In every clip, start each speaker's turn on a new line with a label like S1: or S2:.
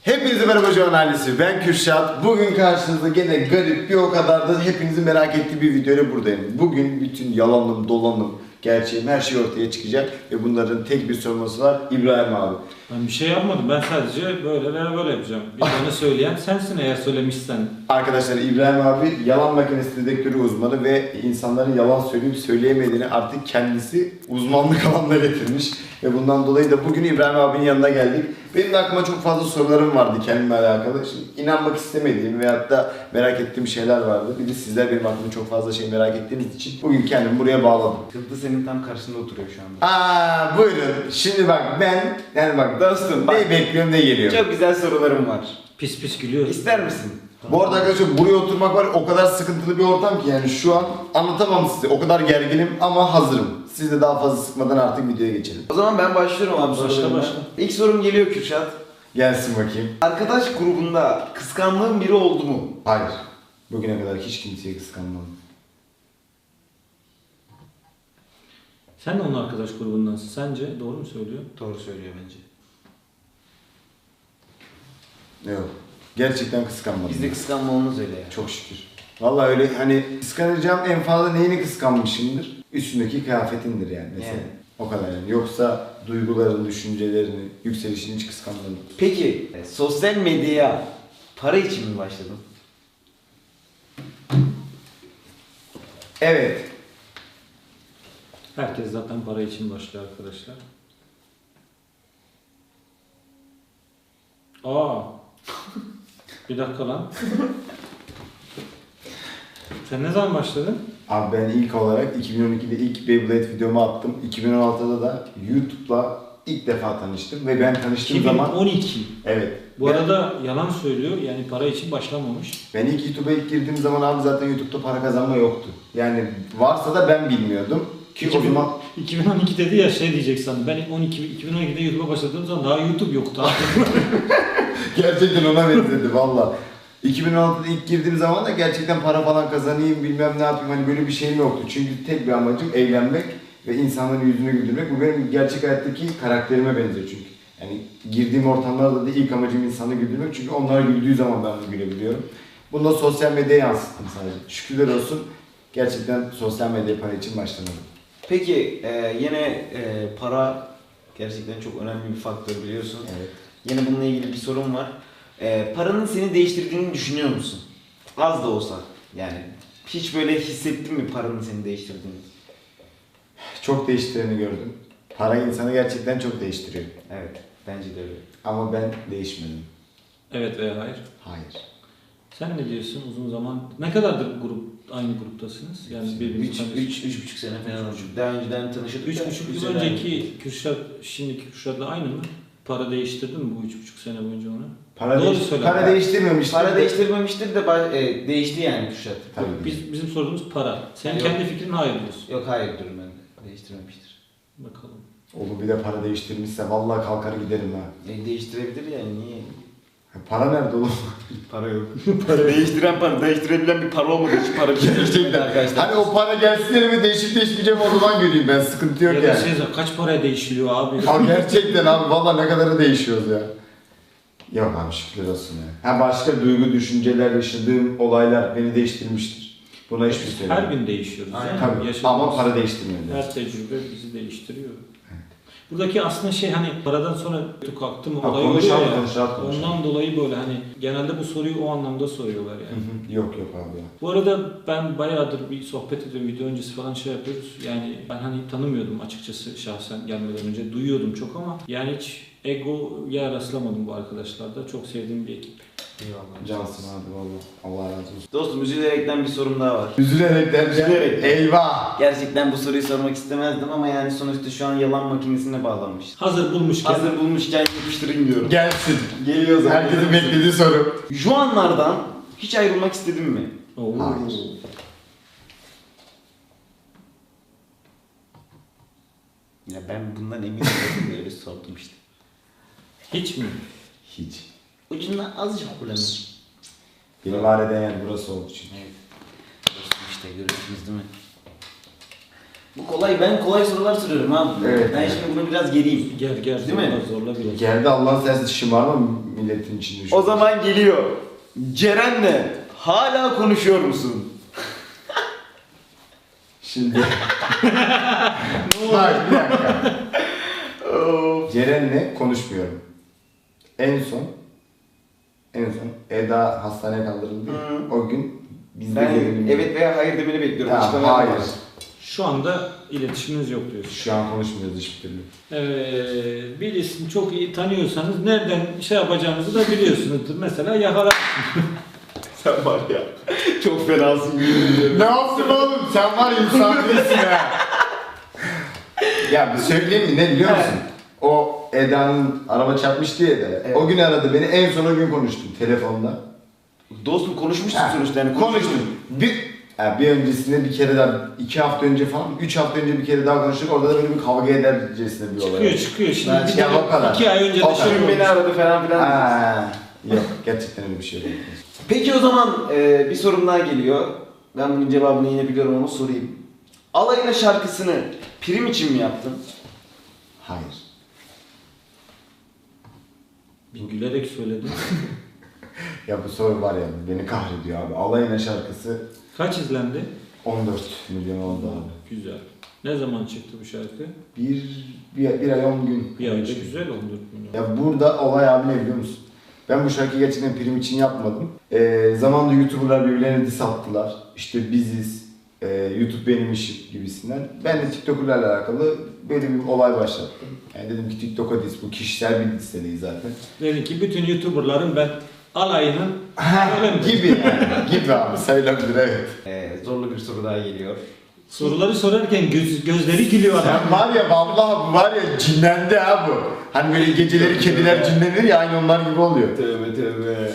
S1: Hepinize merhaba Can ailesi, ben Kürşat. Bugün karşınızda gene garip bir o kadar da hepinizin merak ettiği bir videoyla buradayım. Bugün bütün yalanım, dolanım, gerçeğim her şey ortaya çıkacak ve bunların tek bir sorumlusu var, İbrahim abi.
S2: Ben bir şey yapmadım, ben sadece böyle veya böyle yapacağım. Bir tane söyleyen sensin eğer söylemişsen.
S1: Arkadaşlar İbrahim abi yalan makinesi dedektörü uzmanı ve insanların yalan söyleyip söyleyemediğini artık kendisi uzmanlık alanına getirmiş. Ve bundan dolayı da bugün İbrahim abinin yanına geldik. Benim de aklıma çok fazla sorularım vardı kendimle alakalı. Şimdi inanmak istemediğim veyahut da merak ettiğim şeyler vardı. Bir de sizler benim aklımda çok fazla şey merak ettiğiniz için bugün kendimi buraya bağladım.
S3: Kıldı senin tam karşında oturuyor şu anda.
S1: Buyurun. Şimdi bak ben, yani bak
S3: Dostum bak,
S1: ne bekliyorum ne geliyor.
S3: çok güzel sorularım var.
S2: Pis pis gülüyoruz.
S3: İster misin?
S1: Bu arada arkadaşlar buraya oturmak var, o kadar sıkıntılı bir ortam ki yani şu an anlatamam size. O kadar gerginim ama hazırım. Siz de daha fazla sıkmadan artık videoya geçelim.
S3: O zaman ben başlıyorum abi
S2: Başla,
S3: sorularıma.
S2: başla.
S3: İlk sorum geliyor Kürşat.
S1: Gelsin bakayım.
S3: Arkadaş grubunda kıskandığın biri oldu mu?
S1: Hayır. Bugüne kadar hiç kimseye kıskanmadım.
S2: Sen de onun arkadaş grubundansın. Sence doğru mu söylüyor?
S3: Doğru söylüyor bence.
S1: Yok. Gerçekten kıskanmadım.
S3: Bizde kıskanma olmaz öyle ya.
S1: Çok şükür. Vallahi öyle hani kıskanacağım en fazla neyini kıskanmışımdır? Üstündeki kıyafetindir yani mesela.
S3: Yani.
S1: O kadar yani. Yoksa duyguların, düşüncelerini, yükselişini hiç kıskanmadım.
S3: Peki sosyal medyaya para için mi başladın?
S1: Evet.
S2: Herkes zaten para için başlıyor arkadaşlar. Bir dakika lan. Sen ne zaman başladın?
S1: Abi ben ilk olarak 2012'de ilk Beyblade videomu attım. 2016'da da YouTube'la ilk defa tanıştım ve ben tanıştığım zaman...
S2: 2012.
S1: Evet.
S2: Bu arada yalan söylüyor. Yani para için başlamamış.
S1: Ben YouTube'a ilk girdiğim zaman abi zaten YouTube'da para kazanma yoktu. Yani varsa da ben bilmiyordum. Ki o zaman...
S2: 2012 dedi ya şey diyecek sandım. Ben 2012'de YouTube'a başladığım zaman daha YouTube yoktu.
S1: Gerçekten ona benzedi valla. 2016'da ilk girdiğim zaman da gerçekten para falan kazanayım bilmem ne yapayım hani böyle bir şeyim yoktu. Çünkü tek bir amacım eğlenmek ve insanların yüzünü güldürmek. Bu benim gerçek hayattaki karakterime benziyor çünkü. Yani girdiğim ortamlarda da ilk amacım insanı güldürmek çünkü onlar güldüğü zaman ben de gülebiliyorum. Bunu da sosyal medyaya yansıttım sadece. Şükürler olsun gerçekten sosyal medya para için başlamadım.
S3: Peki yine para gerçekten çok önemli bir faktör biliyorsun.
S1: Evet.
S3: Yine bununla ilgili bir sorum var. Paranın seni değiştirdiğini düşünüyor musun? Az da olsa yani. Hiç böyle hissettin mi paranın seni değiştirdiğini?
S1: Çok değiştireni gördüm. Para insanı gerçekten çok değiştiriyor.
S3: Evet, bence de öyle.
S1: Ama ben değişmedim.
S2: Evet veya hayır.
S1: Hayır.
S2: Sen ne diyorsun uzun zaman? Ne kadardır aynı gruptasınız? Yani birbirinizi tanıyorsunuz.
S3: 3,5 sene falan oldu. Daha önceden tanışıyorduk.
S2: 3,5 yıl önceki Kürşat, şimdiki Kürşat'la aynı mı? Para değiştirdin mi bu 3,5 sene boyunca onu? Doğru söyle.
S1: Para değiştirmemiştir.
S3: Para değiştirmemiştir de değişti yani Kürşat.
S1: Tabii.
S2: Bizim sorduğumuz para. Senin
S3: Yok.
S2: kendi fikrin hayır diyorsun.
S3: Yok hayır diyorum ben de. Değiştirmemiştir.
S2: Bakalım.
S1: Oğlum bir de para değiştirmişse vallahi kalkar giderim ha.
S3: Değiştirebilir yani niye?
S1: Para nerede oğlum?
S3: Para yok. Değiştirebilen bir para olmadığı için para
S1: Gerçekten.
S3: arkadaşlar.
S1: Hani o para gelsin elime değişip değişmeyeceğim o zaman göreyim ben sıkıntı yok
S2: Ya da
S1: yani.
S2: kaç paraya değişiliyor abi?
S1: Abi gerçekten abi vallahi ne kadarı değişiyoruz ya. Yok abi şükürler olsun ya. Ha başka duygu, düşünceler, yaşadığım olaylar beni değiştirmiştir. Buna hiçbir şey
S2: Her
S1: söylemiyorum.
S2: gün değişiyoruz.
S3: Aynen.
S2: Yani.
S1: Tabii
S2: Yaşadığımız
S1: ama para değiştirmiyor.
S2: her tecrübe bizi değiştiriyor. Buradaki aslında şey hani paradan sonra kalktı mı olay oluyor
S1: Konuşalım,
S2: ya.
S1: konuşalım.
S2: Ondan dolayı böyle hani genelde bu soruyu o anlamda soruyorlar yani.
S1: Yok abi ya.
S2: Bu arada ben bayağıdır bir sohbet ediyorum, video öncesi falan şey yapıyoruz. Yani ben hani tanımıyordum açıkçası şahsen gelmeden önce. Duyuyordum çok ama yani hiç egoya rastlamadım bu arkadaşlarda. Çok sevdiğim bir ekip.
S3: Eyvallah.
S1: Cansın abi vallahi. Allah razı olsun.
S3: Dostum üzülerekten bir sorum daha var.
S1: Üzülerek derken
S3: Üzülerek.
S1: eyvah.
S3: Gerçekten bu soruyu sormak istemezdim ama yani sonuçta şu an yalan makinesine bağlanmışız.
S2: Hazır bulmuşken.
S3: Hazır bulmuşken yapıştırayım diyorum.
S1: Gelsin.
S3: Geliyor zaten.
S1: Herkesin beklediği soru.
S3: Juanlardan hiç ayrılmak istedin mi?
S2: Oo.
S1: Hayır.
S3: Ya ben bundan emin değilim öyle sordum işte.
S2: Hiç mi?
S1: Hiç.
S3: Ucundan azıcık kullanır.
S1: Beni var eden yer burası oldu çünkü.
S3: Evet. Dostum işte görüyorsunuz değil mi? Bu kolay, ben kolay sorular soruyorum abi.
S1: Evet.
S3: Ben şimdi bunu biraz geriyim.
S2: Gel
S3: Değil
S2: zorla
S3: mi?
S2: zorla biraz.
S1: Geldi Allah'ın sensiz şımarma milletin içinde şu.
S3: O zaman geliyor. Ceren'le hala konuşuyor musun?
S1: Şimdi. Bak bir dakika. Ceren'le konuşmuyorum. En son Eda hastaneye kaldırıldı.
S3: Hı.
S1: O gün biz de
S3: Ben
S1: gelelim.
S3: evet veya hayır demeni bekliyorum.
S1: Tamam,
S3: Açıklama
S1: hayır.
S3: yapamazsın.
S2: Şu anda iletişiminiz yok diyorsun.
S1: Şu an konuşmuyoruz hiçbir türlü.
S2: Birisini çok iyi tanıyorsanız nereden şey yapacağınızı da biliyorsunuzdur. Mesela yakala.
S3: Sen var ya çok fenasın yemin
S1: Ne yaptın oğlum? Sen var ya insan değilsin ha. Ya bir söyleyeyim mi? Ne biliyor musun? O Eda'nın araba çarpmıştı ya da.
S3: Evet.
S1: O gün aradı beni. En son o gün konuştum telefonda.
S3: Dostum konuşmuşsun
S1: Ha,
S3: sonuçta yani
S1: konuştum. Bir öncesinde bir kere daha, 2 hafta önce falan, 3 hafta önce bir kere daha konuştuk. Orada da böyle bir kavga edercesine bir olay.
S2: Çıkıyor. Şimdi
S1: Ben-
S2: bir
S1: ya
S2: de
S1: o kadar.
S2: 2 ay önce de
S1: O kadar.
S2: şey
S3: Dün beni
S2: olmuş.
S3: aradı falan filan.
S1: Ha, yok gerçekten öyle bir şey yok.
S3: Peki o zaman bir sorum daha geliyor. Ben bunun cevabını yine biliyorum ama sorayım. Alayına şarkısını prim için mi yaptın?
S1: Hayır.
S2: Bir gülerek söyledim.
S1: Ya bu soru var ya beni kahrediyor abi. Alayına şarkısı
S2: Kaç izlendi?
S1: 14 milyon oldu abi.
S2: Güzel. Ne zaman çıktı bu şarkı?
S1: Bir ay 10 gün.
S2: Bir ayda güzel 14 milyon.
S1: Ya burada olay abi ne biliyor musun? Ben bu şarkıyı gerçekten prim için yapmadım. Zamanında YouTuber'lar birbirlerine diss attılar. İşte biziz, YouTube benim işim gibisinden. Ben de TikToker'larla alakalı böyle bir olay başlattım. Yani dedim ki TikTok'a diss, bu kişisel bir diss de değil zaten.
S2: Dedi ki bütün YouTuber'ların ben alayının öyle mi?
S1: Gibi yani, gibi abi sayılabilir evet.
S3: Zorlu bir soru daha geliyor.
S2: Soruları sorarken gözleri gülüyor adam.
S1: Sen var ya vallahi bu var ya cinlendi ha bu. Hani böyle geceleri kediler cinlenir ya aynı onlar gibi oluyor.
S3: Tövbe tövbe.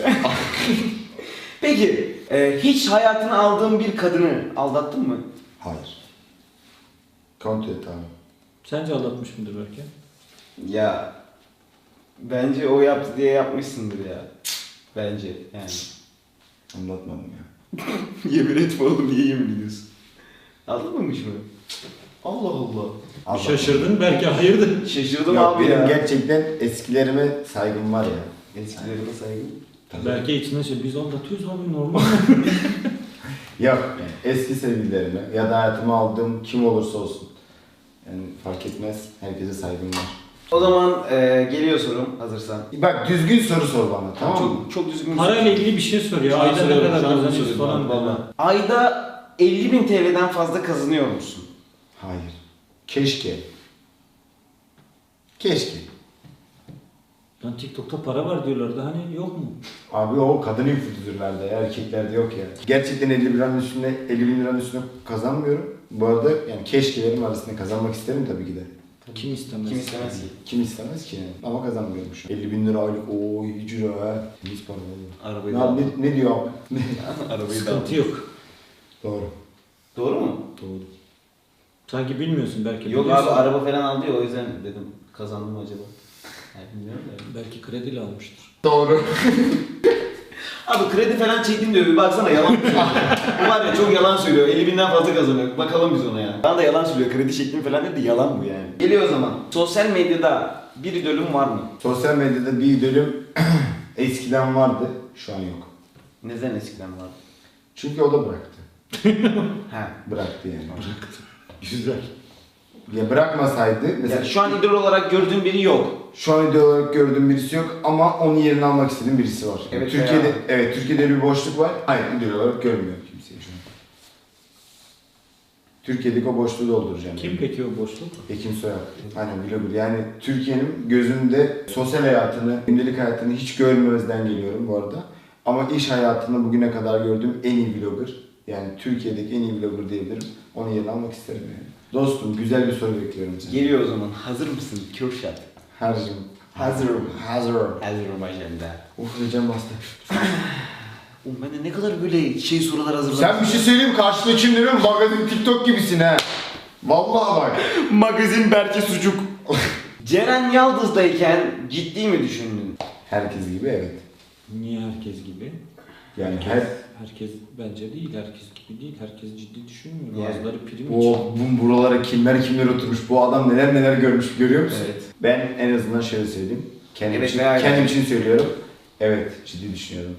S3: Peki hiç hayatına aldığın bir kadını aldattın mı?
S1: Hayır. Kontrol et abi.
S2: Sence aldatmış mıdır belki?
S3: Ya bence o yaptı diye yapmışsındır ya. Bence yani.
S1: Anlatmadım ya.
S3: Yemin etme oğlum niye yemin ediyorsun? Aldatmamış mı? Allah Allah.
S1: Anlatmadım.
S2: Şaşırdın belki hayırdır.
S3: Şaşırdım
S1: Yok,
S3: abi
S1: benim
S3: ya.
S1: gerçekten eskilerime saygım var ya.
S3: Eskilerine saygı.
S2: Belki içinden şey biz aldatıyoruz abi normal.
S1: Yok eski sevgililerime ya da hayatıma aldığım kim olursa olsun. Yani fark etmez. Herkese saygım var.
S3: O zaman geliyor sorum hazırsan.
S1: Bak düzgün soru sor bana tamam mı?
S3: Çok düzgün bir
S2: Parayla
S3: soru.
S2: ilgili bir şey soruyor.
S3: Şu an
S2: Ayda ne
S3: soruyorum,
S2: kadar
S3: şu an
S2: kazanıyorsun
S3: soruyorum
S2: falan.
S3: vallahi.
S2: Valla.
S3: Ayda 50.000 TL'den fazla kazanıyor musun?
S1: Hayır. Keşke. Keşke.
S2: Lan TikTok'ta para var diyorlardı hani yok mu?
S1: Abi o kadın influencer'larda ya, erkeklerde yok ya. Gerçekten 50 bin liranın üstüne, 50 bin liranın üstüne kazanmıyorum. Bu arada yani keşkelerim arasında kazanmak isterim tabii ki de.
S2: Kim istemez?
S3: Kim istemez ki?
S1: Kim istemez ki yani? Ama kazanmıyorum şu an. 50 bin lira aylık, ooo iyi ciro ha. Temiz para valla.
S3: Arabayı
S1: Ne,
S3: da
S1: abi, ne diyor abi?
S3: Arabayı da
S2: Sıkıntı yok.
S1: Doğru.
S3: Doğru mu?
S2: Doğru. Sanki bilmiyorsun belki.
S3: Yok
S2: biliyorsun.
S3: abi araba falan aldı ya o yüzden dedim kazandım acaba. Yani bilmiyorum da.
S2: Belki krediyle almıştır.
S1: Doğru.
S3: Abi kredi falan çektim diyor bir baksana yalan söylüyor. Bu var ya çok yalan söylüyor. 50.000'den fazla kazanıyor. Bakalım biz ona ya. Bana da yalan söylüyor. Kredi çektim falan dedi yalan bu yani. Geliyor o zaman. Sosyal medyada bir idolün var mı?
S1: Sosyal medyada bir idolüm eskiden vardı, şu an yok.
S3: Neden eskiden vardı?
S1: Çünkü o da bıraktı.
S3: He.
S1: Bıraktı yani. Bıraktı. Güzel. Ya bırakmasaydı, mesela
S3: Yani şu an idol olarak gördüğün biri yok.
S1: şu an idol olarak gördüğüm birisi yok ama onun yerini almak istediğim birisi var.
S3: Evet
S1: Türkiye'de,
S3: ya.
S1: evet Türkiye'de bir boşluk var. Hayır, idol olarak görmüyorum kimseyi şu an. Türkiye'deki o boşluğu dolduracağım.
S2: Kim
S1: yani.
S2: peki o boşluk?
S1: Ekim Soyak. Aynen vlogger. Yani Türkiye'nin gözünde sosyal hayatını, gündelik hayatını hiç görmemezden geliyorum bu arada. Ama iş hayatında bugüne kadar gördüğüm en iyi vlogger. Yani Türkiye'deki en iyi vlogger diyebilirim. Onun yerini almak isterim yani. Dostum güzel bir soru bekliyorum senden.
S3: Geliyor o zaman. Hazır mısın? Kürşat.
S1: Hazırım.
S3: Hazırım.
S1: Hazırım.
S3: Azerbaycan'da.
S1: Uf heyecan bastı.
S3: Oğlum ben de ne kadar böyle sorular hazırladım.
S1: Sen bir şey söyleyeyim karşıda kim değil mi? Magazin TikTok gibisin ha. Vallahi bak.
S3: Magazin Berke Sucuk. Ceren Yaldız'dayken ciddi mi düşündün?
S1: Herkes gibi evet.
S2: Niye herkes gibi?
S1: Yani
S2: Herkes bence değil, herkes gibi değil, herkes ciddi düşünmüyor.
S3: Yani.
S2: Bazıları prim için.
S1: bu buralara kimler oturmuş, bu adam neler görmüş görüyor musun?
S3: Evet.
S1: Ben en azından şöyle söyleyeyim.
S3: Evet, ve aynen.
S1: Kendim için söylüyorum. Evet, ciddi düşünüyorum.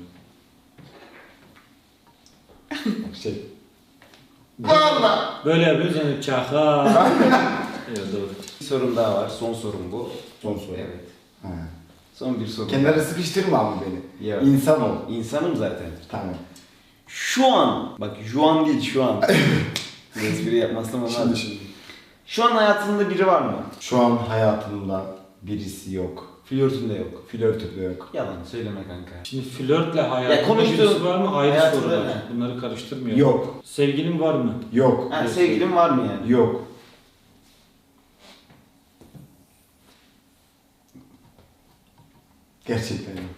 S1: Valla.
S2: Böyle yapıyoruz yani çaka. Evet doğru.
S3: Bir sorum daha var. Son sorum bu.
S1: Son soru.
S3: Evet.
S1: Ha.
S3: Son bir sorum.
S1: Kenara sıkıştırma ama beni.
S3: Yok.
S1: İnsan ol.
S3: İnsanım zaten.
S1: Tamam.
S3: Şu an, bak şu an değil şu an. Bir espri yapmazsam olmaz.
S1: Şimdi.
S3: Şu an hayatında biri var mı?
S1: Şu an hayatımda birisi yok.
S3: Flörtünde yok.
S1: Flörtü de yok.
S3: Yalan söyleme kanka.
S2: Şimdi flörtle
S3: Ya
S2: hayatında
S3: konuştuğun-
S2: birisi var mı? Ayrı
S3: hayatında
S2: sorular.
S3: ne?
S2: Bunları karıştırmıyor.
S1: Yok.
S2: Sevgilin var mı?
S1: Yok.
S3: Ha, sevgilin var mı yani?
S1: Yok. Gerçekten yok.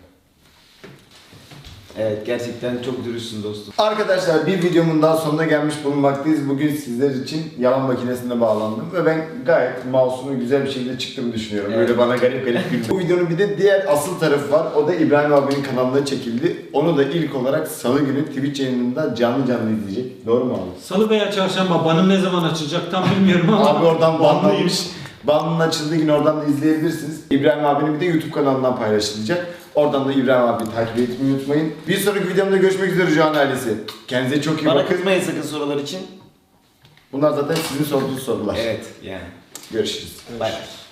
S3: Evet, gerçekten çok dürüstsün dostum.
S1: Arkadaşlar bir videomun daha sonuna gelmiş bulunmaktayız. Bugün sizler için yalan makinesine bağlandım ve ben gayet masum ve güzel bir şekilde çıktığımı düşünüyorum.
S3: Evet.
S1: Böyle bana garip güldü. Bu videonun bir de diğer asıl tarafı var. O da İbrahim abinin kanalında çekildi. Onu da ilk olarak Salı günü Twitch yayınında canlı izleyecek. Doğru mu abi?
S2: Salı veya çarşamba banım ne zaman açılacak tam bilmiyorum ama.
S1: Abi oradan
S2: banlıyım.
S1: banlanmış. Banının açıldığı gün oradan da izleyebilirsiniz. İbrahim abinin bir de YouTube kanalından paylaşılacak. Oradan da İbrahim abi takip etmeyi unutmayın. Bir sonraki videomda görüşmek üzere Can ailesi. Kendinize çok iyi
S3: Bana
S1: bakın.
S3: kızmayın sakın sorular için.
S1: Bunlar zaten sizin sorduğunuz sorular.
S3: Evet, yani.
S1: Görüşürüz.
S3: Bay bay.